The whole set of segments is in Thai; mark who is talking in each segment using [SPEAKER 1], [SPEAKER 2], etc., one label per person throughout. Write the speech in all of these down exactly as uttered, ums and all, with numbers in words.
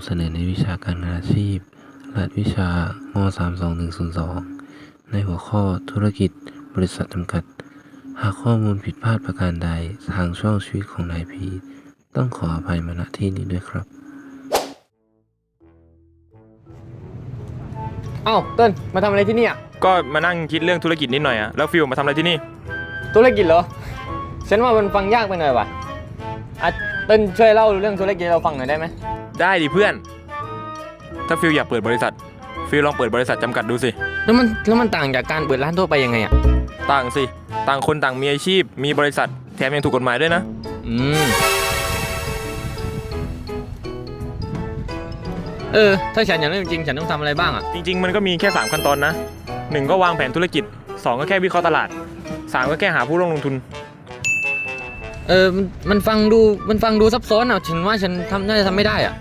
[SPEAKER 1] เสนอในวิชาการงานอาชีพรหัสวิชามสามสองหนึ่งศูนย์สองในหัวข้อธุรกิจบริษัทจำกัดหากข้อมูลผิดพลาดประการใดทางช่องชีวิตของนายพีต้องขออภัยมาณที่นี้ด้วยครับ
[SPEAKER 2] เอ้าเติ้ลมาทำอะไรที่นี่อ่ะ
[SPEAKER 3] ก็มานั่งคิดเรื่องธุรกิจนิดหน่อยอะแล้วฟิลมาทำอะไรที่นี่
[SPEAKER 2] ธุรกิจเหรอฉันว่ามันฟังยากไปหน่อยว่ะอ่ะเติ้ลช่วยเล่าเรื่องธุรกิจให้เราฟังหน่อยได้ไหม
[SPEAKER 3] ได้ดิเพื่อน ถ้าฟิลอยากเปิดบริษัทฟิลลองเปิดบริษัทจำกัดดูสิ
[SPEAKER 2] แล้วมันแล้วมันต่างจากการเปิดร้านทั่วไปยังไงอ่ะ
[SPEAKER 3] ต่างสิต่างคนต่างมีอาชีพมีบริษัทแถมยังถูกกฎหมายด้วยนะ
[SPEAKER 2] อืมเออถ้าฉันอยากเริ่มจริงฉันต้องทำอะไรบ้างอ่ะ
[SPEAKER 3] จริงๆมันก็มีแค่สามขั้นตอนนะหนึ่งก็วางแผนธุรกิจสองก็แค่วิเคราะห์ตลาดสามก็แค่หาผู้ร่วมลงทุน
[SPEAKER 2] เออมันมันฟังดูมันฟังดูซับซ้อนอ่ะฉันว่าฉันทำน่าจะทำไม่ได้อ่ะ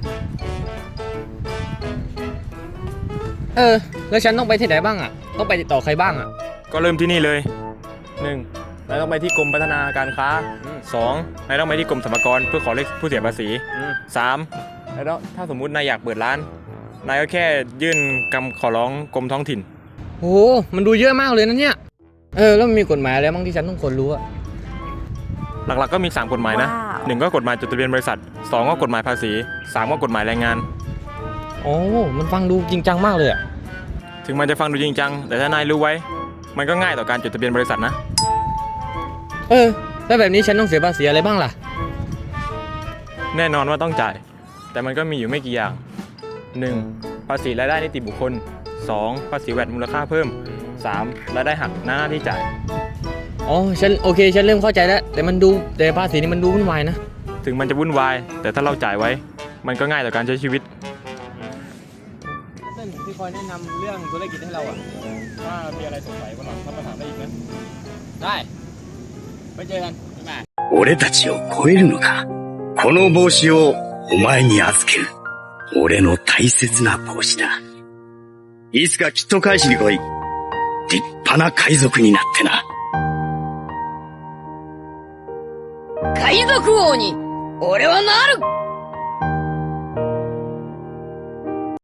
[SPEAKER 2] เออแล้วฉันต้องไปที่ไหนบ้างอ่ะต้องไปติดต่อใครบ้างอ่ะ
[SPEAKER 3] ก็เริ่มที่นี่เลยหนึ่งนายต้องไปที่กรมพัฒนาการค้าสองนายต้องไปที่กรมสรรพากรเพื่อขอเลขผู้เสียภาษีสามแล้วถ้าสมมุตินายอยากเปิดร้านนายก็แค่ยื่นคำขอร้องกรมท้องถิ่น
[SPEAKER 2] โอ้มันดูเยอะมากเลยนะเนี่ยเออแล้วมันมีกฎหมายอะไรบ้างที่ฉันต้องควรรู้อ่ะ
[SPEAKER 3] หลักๆก็มีสามกฎหมายนะหนึ่งก็กฎหมายจดทะเบียนบริษัทสองก็กฎหมายภาษีสามก็กฎหมายแรงงาน
[SPEAKER 2] โอ้มันฟังดูจริงจังมากเลยอ่ะ
[SPEAKER 3] ถึงมันจะฟังดูจริงจังแต่ถ้านายรู้ไว้มันก็ง่ายต่อการจดทะเบียนบริษัทนะ
[SPEAKER 2] เออแล้วแบบนี้ฉันต้องเสียภาษีอะไรบ้างล่ะ
[SPEAKER 3] แน่นอนว่าต้องจ่ายแต่มันก็มีอยู่ไม่กี่อย่างหนึ่งภาษีรายได้นิติบุคคลสองภาษีแวตมูลค่าเพิ่มสามรายได้หักหน้าที่จ่าย
[SPEAKER 2] อ๋อฉันโอเคฉันเริ่มเข้าใจแล้วแต่มันดูแต่ภาษีนี่มันดูวุ่นวายนะ
[SPEAKER 3] ถึงมันจะวุ่นวายแต่ถ้าเราจ่ายไว้มันก็ง่ายต่อการใช้ชีวิต
[SPEAKER 2] เต้นที่คอยแนะนำเรื่องธุรกิจให้เราอ่ะ
[SPEAKER 3] ถ้ามีอะไรสงสัยวันหลังถ้ามาถามได้อีกนะ
[SPEAKER 2] ได้ไปเจอกันบ๊ายบาย
[SPEAKER 4] 俺たちを超えるのか。この帽子をお前に預ける。俺の大切な帽子だ。いつかきっと返しに来い。立派な海賊になってな。
[SPEAKER 5] 海賊王に俺はなる